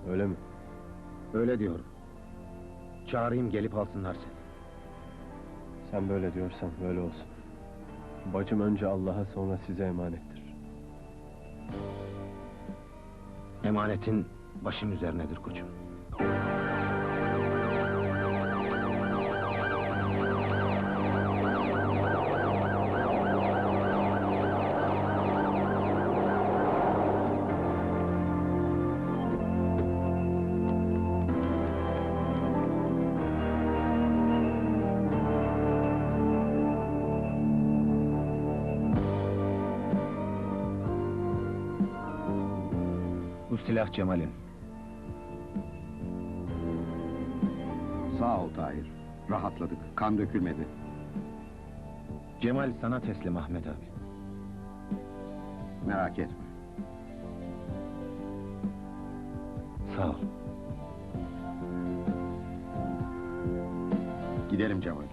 öyle mi? Öyle diyorum. Çağırayım, gelip alsınlar seni. Sen böyle diyorsan böyle olsun. Bacım önce Allah'a, sonra size emanettir. Emanetin başım üzerinedir koçum. Bu silah Cemal'in. Sağ ol Tahir. Rahatladık. Kan dökülmedi. Cemal sana teslim Ahmet abi. Merak etme. Sağ ol. Gidelim Cemal.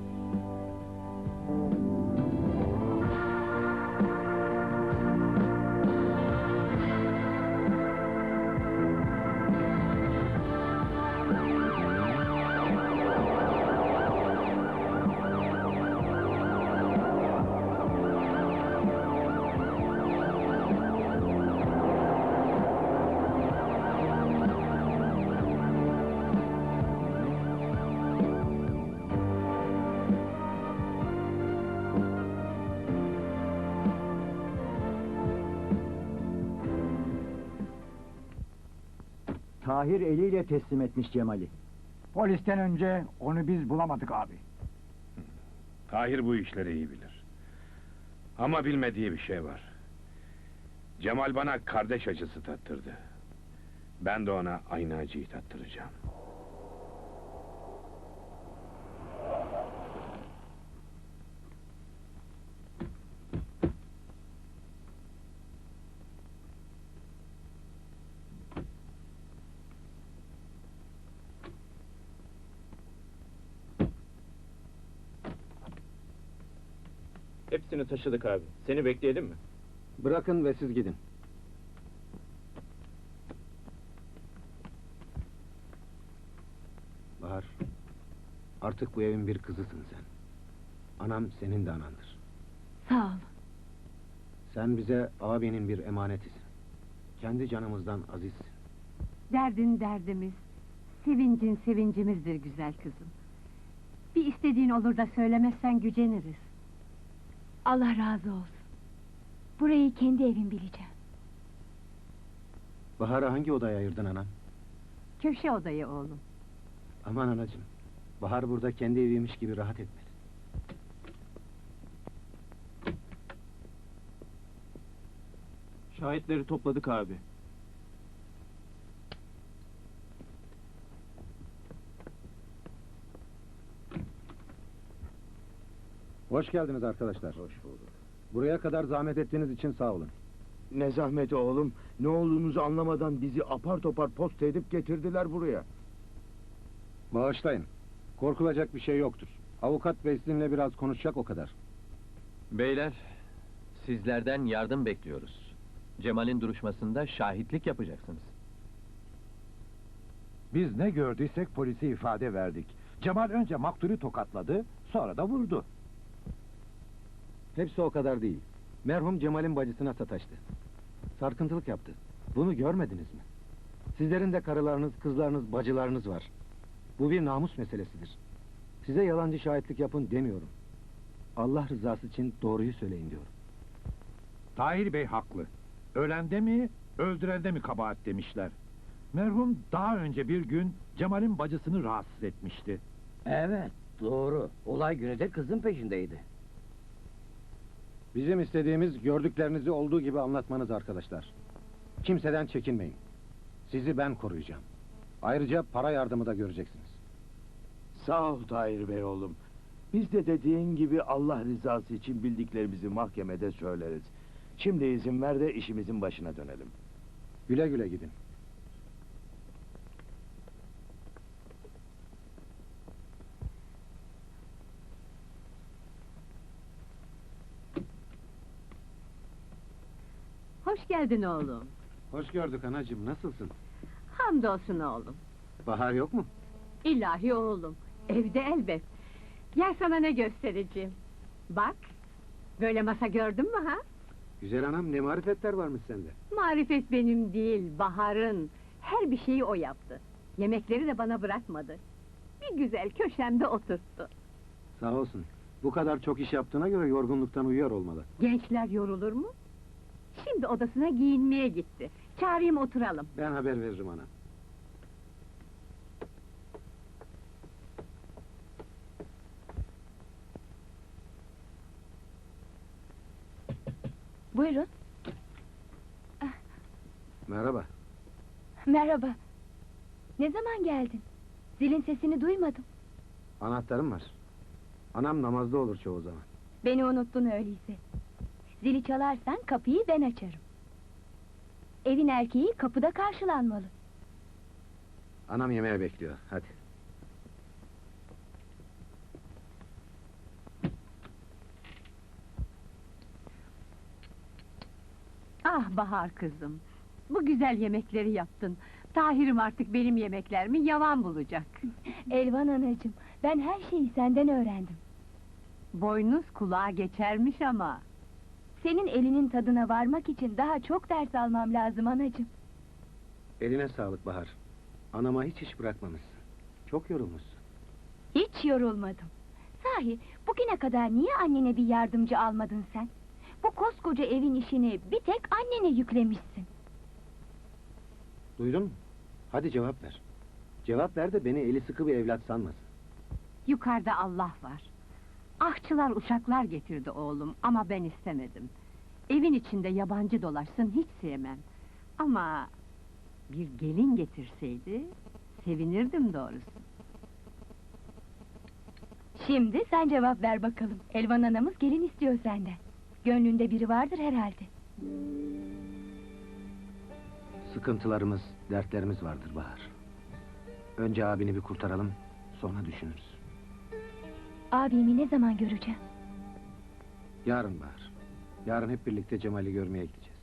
Tahir eliyle teslim etmiş Cemal'i. Polisten önce onu biz bulamadık abi. Tahir bu işleri iyi bilir. Ama bilmediği bir şey var. Cemal bana kardeş acısı tattırdı. Ben de ona aynı acıyı tattıracağım. Hepsini taşıdık abi. Seni bekleyelim mi? Bırakın ve siz gidin. Bahar, artık bu evin bir kızısın sen. Anam senin de anandır. Sağ ol. Sen bize abinin bir emanetisin. Kendi canımızdan azizsin. Derdin derdimiz, sevincin sevincimizdir güzel kızım. Bir istediğin olur da söylemezsen güceniriz. Allah razı olsun. Burayı kendi evim bileceğim. Bahar'ı hangi odaya ayırdın anam? Köşe odayı oğlum. Aman anacığım, Bahar burada kendi eviymiş gibi rahat etmeli. Şahitleri topladık abi. Hoş geldiniz arkadaşlar. Hoş bulduk. Buraya kadar zahmet ettiğiniz için sağ olun. Ne zahmeti oğlum, ne olduğumuzu anlamadan bizi apar topar posta edip getirdiler buraya. Bağışlayın. Korkulacak bir şey yoktur. Avukat bey sizinle biraz konuşacak, o kadar. Beyler, sizlerden yardım bekliyoruz. Cemal'in duruşmasında şahitlik yapacaksınız. Biz ne gördüysek polise ifade verdik. Cemal önce maktulü tokatladı, sonra da vurdu. Hepsi o kadar değil. Merhum Cemal'in bacısına sataştı. Sarkıntılık yaptı. Bunu görmediniz mi? Sizlerin de karılarınız, kızlarınız, bacılarınız var. Bu bir namus meselesidir. Size yalancı şahitlik yapın demiyorum. Allah rızası için doğruyu söyleyin diyorum. Tahir Bey haklı. Ölende mi, öldürende mi kabahat demişler. Merhum daha önce bir gün Cemal'in bacısını rahatsız etmişti. Evet, doğru. Olay günü de kızın peşindeydi. Bizim istediğimiz gördüklerinizi olduğu gibi anlatmanız arkadaşlar. Kimseden çekinmeyin. Sizi ben koruyacağım. Ayrıca para yardımı da göreceksiniz. Sağ ol Tahir Bey oğlum. Biz de dediğin gibi Allah rızası için bildiklerimizi mahkemede söyleriz. Şimdi izin ver de işimizin başına dönelim. Güle güle gidin. Hoş geldin oğlum. Hoş gördük anacığım, nasılsın? Hamdolsun oğlum. Bahar yok mu? İlahi oğlum, evde elbet. Gel sana ne göstereceğim. Bak, böyle masa gördün mü ha? Güzel anam, ne marifetler varmış sende. Marifet benim değil, Bahar'ın. Her bir şeyi o yaptı. Yemekleri de bana bırakmadı. Bir güzel köşemde oturttu. Sağ olsun. Bu kadar çok iş yaptığına göre yorgunluktan uyuyor olmalı. Gençler yorulur mu? Şimdi odasına giyinmeye gitti. Çağırayım oturalım. Ben haber veririm ana. Buyurun. Merhaba. Merhaba. Ne zaman geldin? Zilin sesini duymadım. Anahtarım var. Anam namazda olur çoğu zaman. Beni unuttun öyleyse. Zili çalarsan kapıyı ben açarım. Evin erkeği kapıda karşılanmalı. Anam yemeğe bekliyor, hadi. Ah Bahar kızım, bu güzel yemekleri yaptın. Tahir'im artık benim yemeklerimi yavan bulacak. Elvan anacığım, ben her şeyi senden öğrendim. Boynuz kulağa geçermiş ama. Senin elinin tadına varmak için daha çok ders almam lazım anacığım. Eline sağlık Bahar. Anama hiç iş bırakmamışsın. Çok yorulmuşsun. Hiç yorulmadım. Sahi, bugüne kadar niye annene bir yardımcı almadın sen? Bu koskoca evin işini bir tek annene yüklemişsin. Duydun mu? Hadi cevap ver. Cevap ver de beni eli sıkı bir evlat sanmasın. Yukarıda Allah var. Ahçılar uşaklar getirdi oğlum ama ben istemedim. Evin içinde yabancı dolaşsın hiç sevmem. Ama bir gelin getirseydi sevinirdim doğrusu. Şimdi sen cevap ver bakalım. Elvan anamız gelin istiyor senden. Gönlünde biri vardır herhalde. Sıkıntılarımız, dertlerimiz vardır Bahar. Önce abini bir kurtaralım, sonra düşünürüz. Abimi ne zaman göreceğim? Yarın Bahar. Yarın hep birlikte Cemal'i görmeye gideceğiz.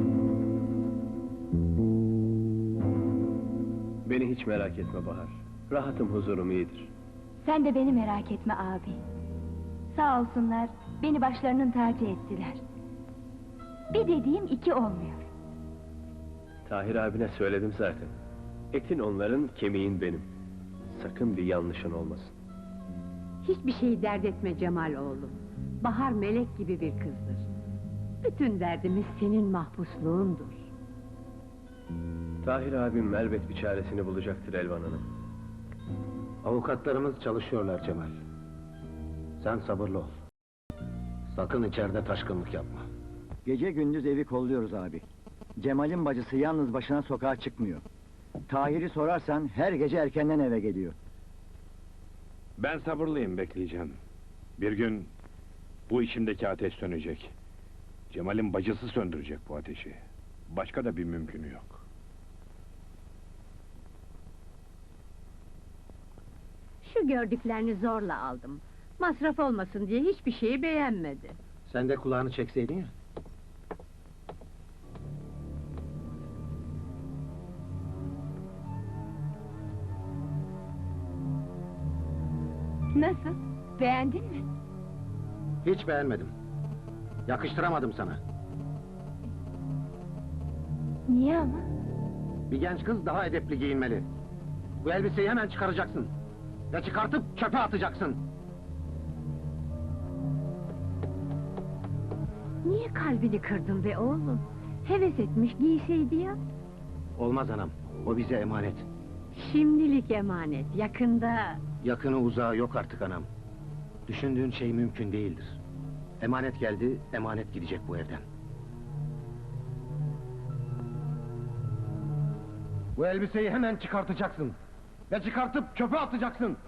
Beni hiç merak etme Bahar. Rahatım, huzurum iyidir. Sen de beni merak etme abi. Sağ olsunlar, beni başlarının tacı ettiler. Bir dediğim iki olmuyor. Tahir abine söyledim zaten. Etin onların, kemiğin benim. Sakın bir yanlışın olmasın. Hiçbir şeyi dert etme Cemal oğlum. Bahar melek gibi bir kızdır. Bütün derdimiz senin mahpusluğundur. Tahir abim elbet bir çaresini bulacaktır Elvan Hanım. Avukatlarımız çalışıyorlar Cemal. Sen sabırlı ol. Sakın içeride taşkınlık yapma. Gece gündüz evi kolluyoruz abi. Cemal'in bacısı yalnız başına sokağa çıkmıyor. Tahir'i sorarsan her gece erkenden eve geliyor. Ben sabırlıyım, bekleyeceğim. Bir gün bu içimdeki ateş sönecek. Cemal'in bacısı söndürecek bu ateşi. Başka da bir mümkünü yok. Şu gördüklerini zorla aldım. Masraf olmasın diye hiçbir şeyi beğenmedi. Sen de kulağını çekseydin ya. Nasıl? Beğendin mi? Hiç beğenmedim. Yakıştıramadım sana. Niye ama? Bir genç kız daha edepli giyinmeli. Bu elbiseyi hemen çıkaracaksın. Ve çıkartıp çöpe atacaksın. Niye kalbini kırdın be oğlum? Heves etmiş giyseydi ya. Olmaz anam, o bize emanet. Şimdilik emanet, yakında... Yakını uzağı yok artık anam. Düşündüğün şey mümkün değildir. Emanet geldi, emanet gidecek bu evden. Bu elbiseyi hemen çıkartacaksın. Ve çıkartıp çöpe atacaksın.